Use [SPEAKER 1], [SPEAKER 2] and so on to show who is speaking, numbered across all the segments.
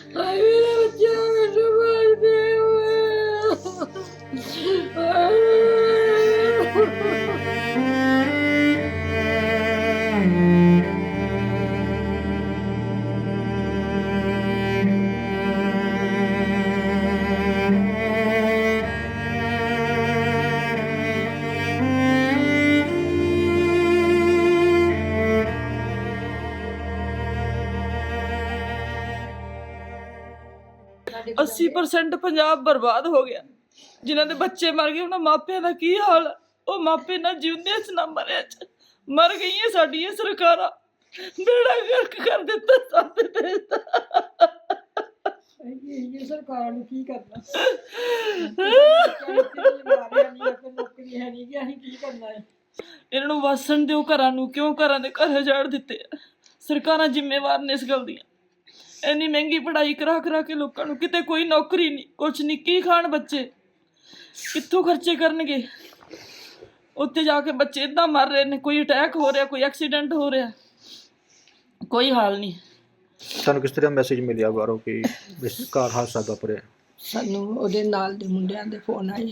[SPEAKER 1] ਹਾਏ ਮੇਰੇ ਬੱਚੇ ਮੈਨੂੰ ਮਾਰਦੇ
[SPEAKER 2] हाँ 80% ਪੰਜਾਬ ਬਰਬਾਦ ਹੋ ਗਿਆ। ਜਿਨ੍ਹਾਂ ਦੇ ਬੱਚੇ ਮਰ ਗਏ ਉਹਨਾਂ ਮਾਪਿਆਂ ਦਾ ਕੀ ਹਾਲ ਹੈ? ਉਹ ਮਾਪੇ ਨਾ ਜਿਉਂਦੇ ਚ ਨਾ ਮਰਿਆ ਚ ਮਰ ਗਈਆਂ ਸਾਡੀਆਂ ਸਰਕਾਰਾਂ। ਬੇੜਾ ਗਰਕ ਕਰ ਦਿੱਤਾ ਸਾਡੇ ਦੇਸ਼ ਦਾ।
[SPEAKER 1] ਇਹ ਸਰਕਾਰ ਨੂੰ ਕੀ ਕਰਨਾ? ਨੌਕਰੀ ਹੈ ਨਹੀਂ ਕਿ ਅਸੀਂ ਕੀ ਕਰਨਾ ਹੈ?
[SPEAKER 2] ਇਹਨਾਂ ਨੂੰ ਵਸਣ ਦਿਓ ਘਰਾਂ ਨੂੰ, ਕਿਉਂ ਘਰਾਂ ਦੇ ਘਰ ਉਜਾੜ ਦਿੱਤੇ ਆ? ਸਰਕਾਰਾਂ ਜ਼ਿੰਮੇਵਾਰ ਨੇ ਇਸ ਗੱਲ ਦੀਆਂ। ਇੰਨੀ ਮਹਿੰਗੀ ਪੜ੍ਹਾਈ ਕਰਾ ਕੇ ਲੋਕਾਂ ਨੂੰ ਕਿਤੇ ਕੋਈ ਨੌਕਰੀ ਨਹੀਂ, ਕੁਛ ਨਹੀਂ। ਕੀ ਖਾਣ ਬੱਚੇ? ਕਿੱਥੋਂ ਖਰਚੇ ਕਰਨਗੇ? ਉੱਥੇ ਜਾ ਕੇ ਬੱਚੇ ਇੱਦਾਂ ਮਰ ਰਹੇ ਨੇ, ਕੋਈ ਅਟੈਕ ਹੋ ਰਿਹਾ, ਕੋਈ ਐਕਸੀਡੈਂਟ ਹੋ ਰਿਹਾ, ਕੋਈ ਹਾਲ ਨਹੀਂ।
[SPEAKER 3] ਤੁਹਾਨੂੰ ਕਿਸ ਤਰ੍ਹਾਂ ਮੈਸੇਜ ਮਿਲਿਆ ਬਾਹਰੋਂ ਕਿ ਇਸ ਕਾਰ ਹਾਦਸਾ ਵਾਪਰਿਆ?
[SPEAKER 1] ਸਾਨੂੰ ਉਹਦੇ ਨਾਲ ਦੇ ਮੁੰਡਿਆਂ ਦੇ ਫੋਨ ਆਏ।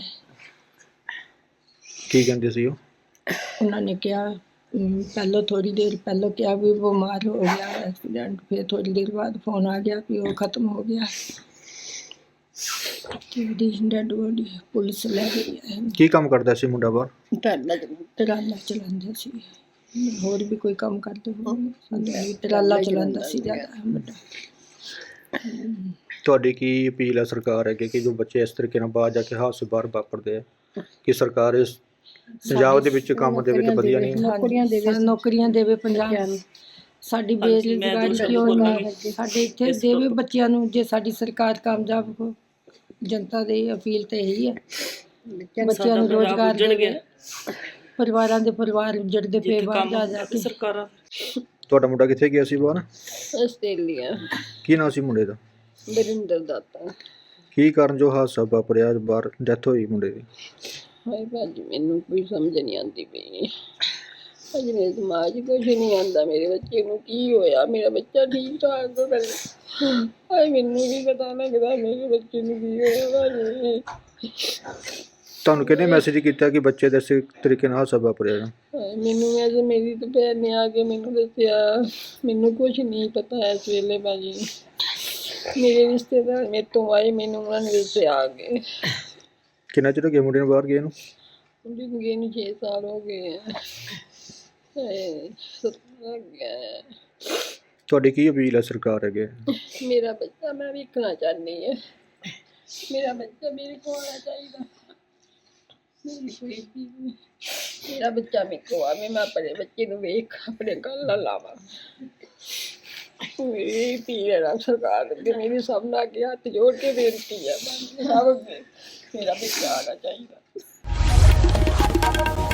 [SPEAKER 3] ਕੀ ਕਹਿੰਦੇ ਸੀ ਉਹ?
[SPEAKER 1] ਉਹਨਾਂ ਨੇ ਕਿਹਾ ਪਹਿਲਾਂ ਥੋੜੀ ਦੇਰ ਪਹਿਲਾਂ ਕਿਹਾ ਵੀ ਬਿਮਾਰ ਹੋ ਗਿਆ ਐਕਸੀਡੈਂਟ, ਫਿਰ ਥੋੜੀ ਦੇਰ ਬਾਅਦ ਫੋਨ ਆ ਗਿਆ ਕਿ ਉਹ ਖਤਮ ਹੋ ਗਿਆ। ਉਹਦੀ ਡੈਡ ਬੋਡੀ ਪੁਲਿਸ ਲੈ ਗਈ ਹੈ।
[SPEAKER 3] ਕੀ ਕੰਮ ਕਰਦਾ ਸੀ ਮੁੰਡਾ ਬਾਹਰ?
[SPEAKER 1] ਟਰਾਲਾ ਚਲਾਉਂਦਾ ਸੀ, ਹੋਰ ਵੀ ਕੋਈ ਕੰਮ ਕਰਦੇ ਹੋਣਗੇ। ਟਰਾਲਾ ਚਲਾਉਂਦਾ ਸੀ ਜ਼ਿਆਦਾ ਵੱਡਾ।
[SPEAKER 3] ਤੁਹਾਡੀ ਕੀ ਅਪੀਲ ਹੈ ਸਰਕਾਰ ਅੱਗੇ ਕਿ ਜੋ ਬੱਚੇ ਇਸ ਤਰੀਕੇ ਨਾਲ ਬਾਹਰ ਜਾ ਕੇ ਹਾਦਸੇ ਬਾਹਰ ਵਾਪਰਦੇ ਆ, ਕਿ ਸਰਕਾਰ ਇਸ ਪੰਜਾਬ ਦੇ ਵਿੱਚ ਕੰਮ ਦੇ ਵਿੱਚ ਵਧੀਆ ਨਹੀਂ?
[SPEAKER 1] ਨੌਕਰੀਆਂ ਦੇਵੇ ਪੰਜਾਬ ਨੂੰ। ਸਾਡੀ ਬੇਰੁਜ਼ਗਾਰੀ ਕਿਉਂ ਨਹੀਂ? ਸਾਡੇ ਇੱਥੇ ਦੇਵੇ ਬੱਚਿਆਂ ਨੂੰ। ਜੇ ਸਾਡੀ ਸਰਕਾਰ ਕਾਮਯਾਬ ਹੋ, ਜਨਤਾ ਦੀ ਅਪੀਲ ਤਾਂ ਇਹੀ ਹੈ, ਬੱਚਿਆਂ ਨੂੰ ਰੋਜ਼ਗਾਰ ਦੇਵੇ। ਪਰਿਵਾਰਾਂ ਦੇ ਪਰਿਵਾਰ ਉੱਜੜਦੇ ਪਏ ਬਾਹਰ ਜਾ ਕੇ।
[SPEAKER 2] ਸਰਕਾਰਾਂ
[SPEAKER 3] ਤੁਹਾਡਾ ਮੁੰਡਾ ਕਿੱਥੇ ਗਿਆ ਸੀ ਬਾਹਰ?
[SPEAKER 4] ਆਸਟ੍ਰੇਲੀਆ।
[SPEAKER 3] ਕੀ ਨਾਂ ਸੀ ਮੁੰਡੇ ਦਾ?
[SPEAKER 4] ਬਰਿੰਦਰ ਦਾਤਾ।
[SPEAKER 3] ਕੀ ਕਾਰਨ ਜੋ ਹਾਦਸਾ ਵਾਪਰਿਆ, ਬਾਹਰ ਡੈਥ ਹੋਈ ਮੁੰਡੇ ਦੀ?
[SPEAKER 4] ਹਾਏ ਭਾਜੀ ਮੈਨੂੰ ਕੋਈ ਸਮਝ ਨਹੀਂ ਆਉਂਦੀ ਪਈ। ਅੱਜ ਮੇਰੇ ਦਿਮਾਗ 'ਚ ਕੁਛ ਨਹੀਂ ਆਉਂਦਾ। ਮੇਰੇ ਬੱਚੇ ਨੂੰ ਕੀ ਹੋਇਆ? ਮੇਰਾ ਬੱਚਾ ਠੀਕ ਠਾਕ ਹੋ ਕਰੇ। ਹਾਏ ਮੈਨੂੰ ਵੀ ਪਤਾ ਲੱਗਦਾ ਮੇਰੇ ਬੱਚੇ ਨੂੰ ਕੀ ਹੋਇਆ ਭਾਜੀ।
[SPEAKER 3] ਤੁਹਾਨੂੰ ਕਿਹਨੇ ਮੈਸੇਜ ਕੀਤਾ ਕਿ ਬੱਚੇ ਦੇ ਇਸ ਤਰੀਕੇ ਨਾਲ ਹਾਦਸਾ ਵਾਪਰਿਆ?
[SPEAKER 4] ਮੈਨੂੰ ਅੱਜ ਮੇਰੀ ਤਾਂ ਭੈਣ ਨੇ ਆ ਕੇ ਮੈਨੂੰ ਦੱਸਿਆ। ਮੈਨੂੰ ਕੁਛ ਨਹੀਂ ਪਤਾ ਇਸ ਵੇਲੇ ਭਾਜੀ। ਮੇਰੇ ਰਿਸ਼ਤੇਦਾਰ ਮੇਰੇ ਤੋਂ ਆਏ, ਮੈਨੂੰ ਉਹਨਾਂ ਨੇ ਦੱਸਿਆ ਆ ਕੇ।
[SPEAKER 3] ਕਿੰਨਾ ਚਿਰ ਹੋ ਗਿਆ ਮੁੰਡੇ ਨੂੰ ਬਾਹਰ ਗਏ ਨੂੰ?
[SPEAKER 4] ਮੁੰਡੇ ਨੂੰ ਗਏ ਨੂੰ 6 ਸਾਲ ਹੋ ਗਏ ਆ।
[SPEAKER 3] ਤੁਹਾਡੀ ਕੀ ਅਪੀਲ ਹੈ ਸਰਕਾਰ ਅੱਗੇ?
[SPEAKER 4] ਮੇਰਾ ਬੱਚਾ ਮੈਂ ਵੇਖਣਾ ਚਾਹੁੰਦੀ ਹਾਂ। ਮੇਰਾ ਬੱਚਾ ਮੇਰੇ ਕੋਲ ਆਉਣਾ ਚਾਹੀਦਾ। ਮੇਰਾ ਬੱਚਾ ਮੇਰੇ ਕੋਲ ਆਵੇ, ਮੈਂ ਆਪਣੇ ਬੱਚੇ ਨੂੰ ਵੇਖ ਆਪਣੇ ਗੱਲ ਨਾਲ ਲਾਵਾਂ। ਮੇਰੀ ਅਪੀਲ ਹੈ ਸਰਕਾਰ ਅੱਗੇ, ਮੇਰੀ ਸਭ ਨਾਲ ਅੱਗੇ ਹੱਥ ਜੋੜ ਕੇ ਬੇਨਤੀ ਹੈ। ਸਭ ਅੱਗੇ ਮੇਰਾ ਬੱਚਾ ਆਉਣਾ ਚਾਹੀਦਾ।